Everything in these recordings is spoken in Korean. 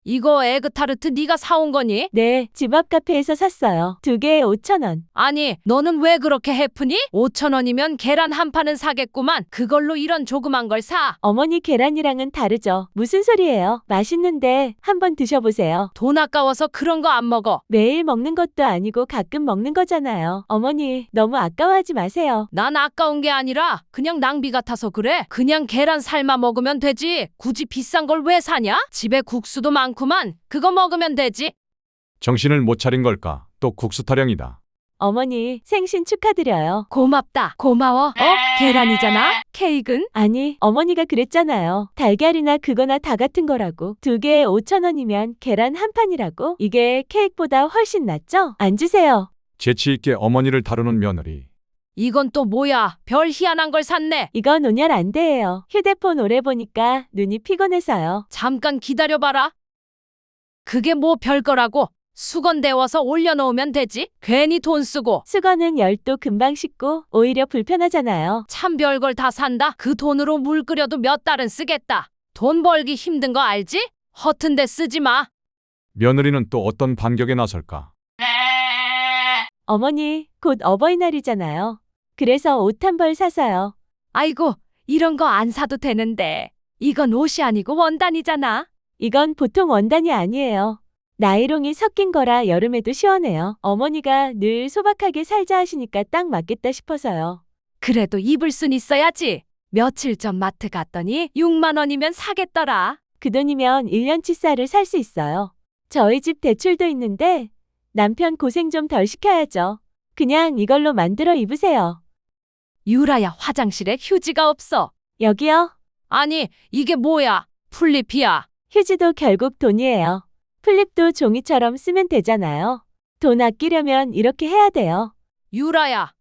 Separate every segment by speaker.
Speaker 1: 이거 에그타르트 네가 사온 거니?
Speaker 2: 네, 집 앞 카페에서 샀어요. 2개에 5,000원.
Speaker 1: 아니, 너는 왜 그렇게 해프니? 5,000원이면 계란 한 판은 사겠구만. 그걸로 이런 조그만 걸 사.
Speaker 2: 어머니 계란이랑은 다르죠. 무슨 소리예요? 맛있는데 한번 드셔보세요.
Speaker 1: 돈 아까워서 그런 거 안 먹어.
Speaker 2: 매일 먹는 것도 아니고 가끔 먹는 거잖아요. 어머니, 너무 아까워하지 마세요.
Speaker 1: 난 아까운 게 아니라 그냥 낭비 같아서 그래. 그냥 계란 삶아 먹으면 되지. 굳이 비싼 걸 왜 사냐? 집에 국수도 많구만. 그거 먹으면 되지.
Speaker 3: 정신을 못 차린 걸까? 또 국수 타령이다.
Speaker 2: 어머니, 생신 축하드려요.
Speaker 1: 고맙다. 고마워. 계란이잖아? 케이크는?
Speaker 2: 아니, 어머니가 그랬잖아요. 달걀이나 그거나 다 같은 거라고. 2개에 5,000원이면 계란 한 판이라고? 이게 케이크보다 훨씬 낫죠? 앉으세요.
Speaker 3: 재치 있게 어머니를 다루는 며느리.
Speaker 1: 이건 또 뭐야? 별 희한한 걸 샀네.
Speaker 2: 이건 온열 안 돼요. 휴대폰 오래 보니까 눈이 피곤해서요.
Speaker 1: 잠깐 기다려봐라. 그게 뭐 별거라고. 수건 데워서 올려놓으면 되지. 괜히 돈 쓰고.
Speaker 2: 수건은 열도 금방 식고 오히려 불편하잖아요.
Speaker 1: 참 별걸 다 산다. 그 돈으로 물 끓여도 몇 달은 쓰겠다. 돈 벌기 힘든 거 알지? 허튼 데 쓰지 마.
Speaker 3: 며느리는 또 어떤 반격에 나설까?
Speaker 2: 어머니, 곧 어버이날이잖아요. 그래서 옷 한 벌 사서요.
Speaker 1: 아이고, 이런 거 안 사도 되는데. 이건 옷이 아니고 원단이잖아.
Speaker 2: 이건 보통 원단이 아니에요. 나이롱이 섞인 거라 여름에도 시원해요. 어머니가 늘 소박하게 살자 하시니까 딱 맞겠다 싶어서요.
Speaker 1: 그래도 입을 순 있어야지. 며칠 전 마트 갔더니 6만 원이면 사겠더라.
Speaker 2: 그 돈이면 1년치 쌀을 살 수 있어요. 저희 집 대출도 있는데 남편 고생 좀 덜 시켜야죠. 그냥 이걸로 만들어 입으세요.
Speaker 1: 유라야, 화장실에 휴지가 없어.
Speaker 2: 여기요.
Speaker 1: 아니, 이게 뭐야? 플립이야.
Speaker 2: 휴지도 결국 돈이에요. 플립도 종이처럼 쓰면 되잖아요. 돈 아끼려면 이렇게 해야 돼요.
Speaker 1: 유라야.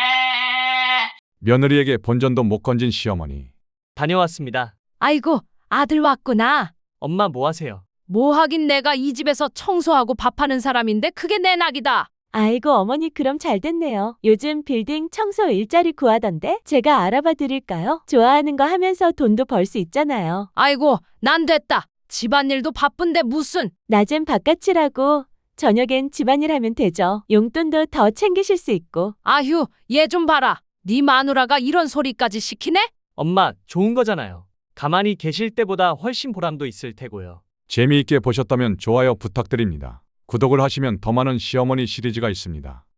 Speaker 3: 며느리에게 본전도 못 건진 시어머니.
Speaker 4: 다녀왔습니다.
Speaker 1: 아이고, 아들 왔구나.
Speaker 4: 엄마 뭐 하세요?
Speaker 1: 뭐 하긴 내가 이 집에서 청소하고 밥하는 사람인데 그게 내 낙이다.
Speaker 2: 아이고 어머니 그럼 잘 됐네요. 요즘 빌딩 청소 일자리 구하던데 제가 알아봐 드릴까요? 좋아하는 거 하면서 돈도 벌 수 있잖아요.
Speaker 1: 아이고, 난 됐다. 집안일도 바쁜데 무슨.
Speaker 2: 낮엔 바깥일하고 저녁엔 집안일 하면 되죠. 용돈도 더 챙기실 수 있고.
Speaker 1: 아휴, 얘 좀 봐라. 네 마누라가 이런 소리까지 시키네?
Speaker 4: 엄마, 좋은 거잖아요. 가만히 계실 때보다 훨씬 보람도 있을 테고요.
Speaker 3: 재미있게 보셨다면 좋아요 부탁드립니다. 구독을 하시면 더 많은 시어머니 시리즈가 있습니다.